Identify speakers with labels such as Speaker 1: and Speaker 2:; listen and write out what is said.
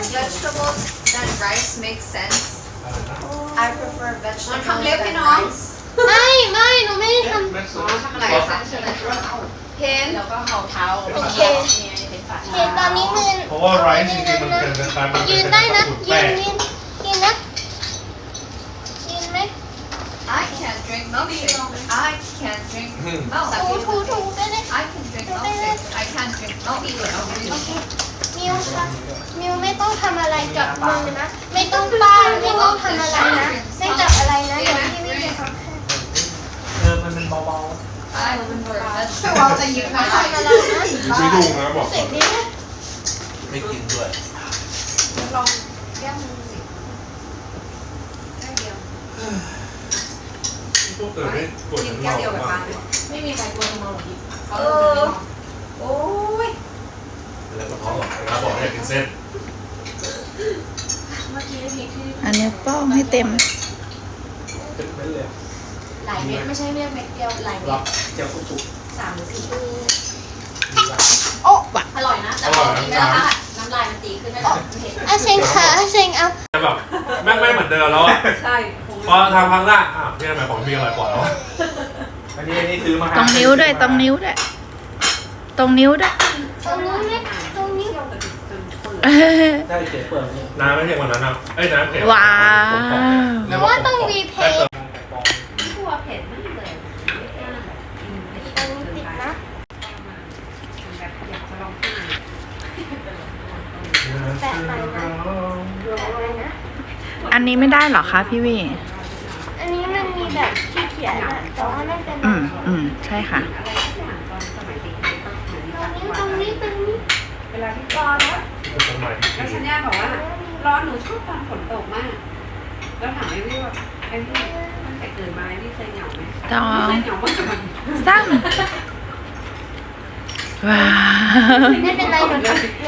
Speaker 1: vegetables than rice makes sense. I prefer vegetables than rice.
Speaker 2: ไม่หนูไม่ได้ท
Speaker 1: ทำอะไรคะเพ้นแล้วก็เห่าเท้า
Speaker 2: ำโอเคตอนนี้มือ
Speaker 3: เพราะว่าไรซ์จริงๆมันเป็นคล้ายๆมันเป็
Speaker 2: ยื
Speaker 3: น
Speaker 2: นได้นะ
Speaker 3: สูตร
Speaker 2: ยื
Speaker 3: แป้
Speaker 2: น
Speaker 3: ง
Speaker 2: ยืนนะยืนไหม
Speaker 1: I can't drink milkshake. I can't drink milk.
Speaker 2: ถูได้เลย
Speaker 1: I can drink milkshake. I can't drink milk.
Speaker 2: โอเคมิวค่ะมิวไม่ต้องทำอะไรกับมือนะ ไม่ต้องป้านไม่ต้องทำอะไรนะ ไม่จับอะไรนะเดี๋ยวพี่ไม่จะทำให้
Speaker 3: มันเบา
Speaker 1: I prefer vegetables. จะยืน
Speaker 2: ไม่ทำอะไรนะ
Speaker 3: ๆไม่ดูนะบอก
Speaker 2: เสร็จนี้นะ
Speaker 4: ไม่กินด้วย
Speaker 1: ลองแก้มือสิแค่เดียว
Speaker 3: พวกเกิดไม่กดน้ำเหล้ามาก
Speaker 1: ไม่มีใครกลัวทำไมหรอกโอ้ย
Speaker 3: แล้วก็ท้องหลังแล้วบอกให้กินเส้น
Speaker 1: เมื่อกี้มีที่
Speaker 5: อันนี้ป้องให้เต็ม
Speaker 4: เป็นเม็ดเลย
Speaker 1: หลายเม็ดไม่ใช่เม็ดเดียวหลายเม็
Speaker 4: รั
Speaker 1: ด
Speaker 4: บเจ้าคุก
Speaker 1: 3 หรือ 4
Speaker 5: โอ้วะ
Speaker 1: อร่อยนะแต่พอกินแล้วค่ะน้ำลายมันตีขึ้นไม่หรอกเผ็ด
Speaker 2: อาเชงค่ะอาเชงเอา
Speaker 3: แต่แบบแม่งไม่เหมือนเดิมแล้วอ่ะ
Speaker 1: ใช่
Speaker 3: พอทำครั้งแรกพี่ทำไมของมีอร่อยกว่าแล้ว
Speaker 4: อันนี้ซื้อมา
Speaker 5: ตรงนิ้วด้วยตรงนิ้วด้วยตรงนิ้วด้วย
Speaker 2: ตรงนี้ไหมตรงนี้
Speaker 4: ได้เจ๊เปิดนี่
Speaker 3: น้ำไม่เผ็ดกว่านั้นนะน้ำเผ็ด
Speaker 5: ว้าว
Speaker 2: หรือว่าต้องรีเพย์
Speaker 1: ทั่วเผ็ดมากเลย
Speaker 2: ตรงนี้ติดนะ
Speaker 1: แบบอยากจะลองกิน
Speaker 2: แปะไปนะแปะไปนะ
Speaker 5: อันนี้ไม่ได้เหรอคะพี่วี
Speaker 2: อันนี้มันมีแบบที่เขียนอะแต่ว่าไม่เป็น
Speaker 5: ใช่ค่ะ
Speaker 1: อะไรทุกอย่างตอนสมัยเด็กๆต้องเหมือน
Speaker 2: ตรงนี้
Speaker 1: เวลาที่ร้อนแล้ว
Speaker 3: สมัยที่
Speaker 1: แล้วชัญญาบอกว่าร้อนหนูชอบตอนฝนตกมาก แล้วถามไอ้พี่ว่าไอ้พี่ตั้งแต่เกิดมาไอ้พี่เคยเหงาไหม
Speaker 5: ต้อง
Speaker 1: เคยเหงามากกับมัน
Speaker 5: ตั้งว้าว
Speaker 2: ไม่เป็นไรหนู